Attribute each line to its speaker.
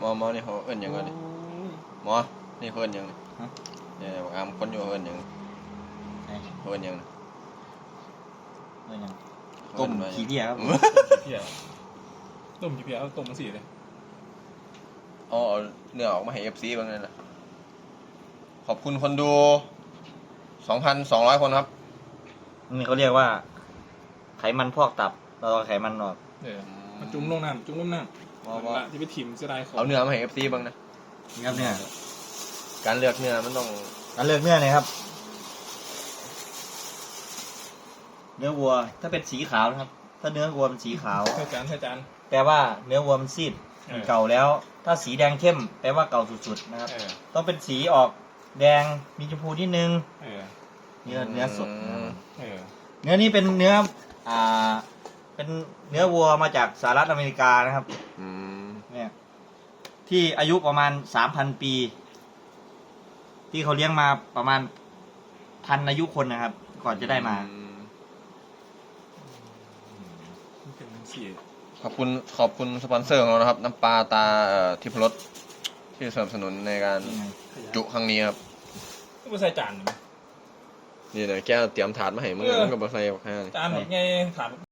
Speaker 1: หมอนี่เขาเอิ้นหยังก่อนนี่หมอนี่เขาเอิ้นหยังเนี่ยบอกอามคนอยู่เอิ้นหยังเขาเอิ้นหยัง
Speaker 2: ต้มขี้เพี้ยครับ
Speaker 3: เพี้ยต้มขี้เพี้ยต้มมันสีเลย
Speaker 1: เอาเนื้อออกมาให้ FC บ้างเลยนะขอบคุณคนดู 2,200 คนครับ
Speaker 2: นี่เขาเรียกว่าไขมันพอกตับเราเอาไขมันออก
Speaker 3: มันจุ่มลงน้ำละที่ไปถิ่มเสียดายของ
Speaker 1: เอาเนื้อมาให้ FC บ้างนะ
Speaker 2: นี่ครับเนี่ย
Speaker 1: การเลือกเนื้อมันต้อง
Speaker 2: การเลือกเนื้อเลยครับเนื้อวัวถ้าเป็นสีขาวนะครับถ้าเนื้อวัวเป็นสีขาว
Speaker 3: ใช่จาน
Speaker 2: แปลว่าเนื้อวัวมันซีดเก่าแล้วถ้าสีแดงเข้มแปลว่าเก่าสุดๆนะครับต้องเป็นสีออกแดงมีชมพูนิดนึงเนื้อสดเนื้อนี้เป็นเนื้อเป็นเนื้อวัวมาจากสหรัฐอเมริกานะครับเนี่ยที่อายุประมาณ 3,000 ปีที่เขาเลี้ยงมาประมาณ1,000 อายุคนนะครับก่อนจะได้มา
Speaker 1: ขอบคุณสปอนเซอร์ของเรานะครับน้ำปลาตาทิพรสที่สนับสนุนในการจุครั้งนี้ครับ
Speaker 3: ก็ใส่จาน
Speaker 1: นี่เลยแกเตรียมถาดมาให้มึงก็มาใส่แค่
Speaker 3: จานหมดไงถาด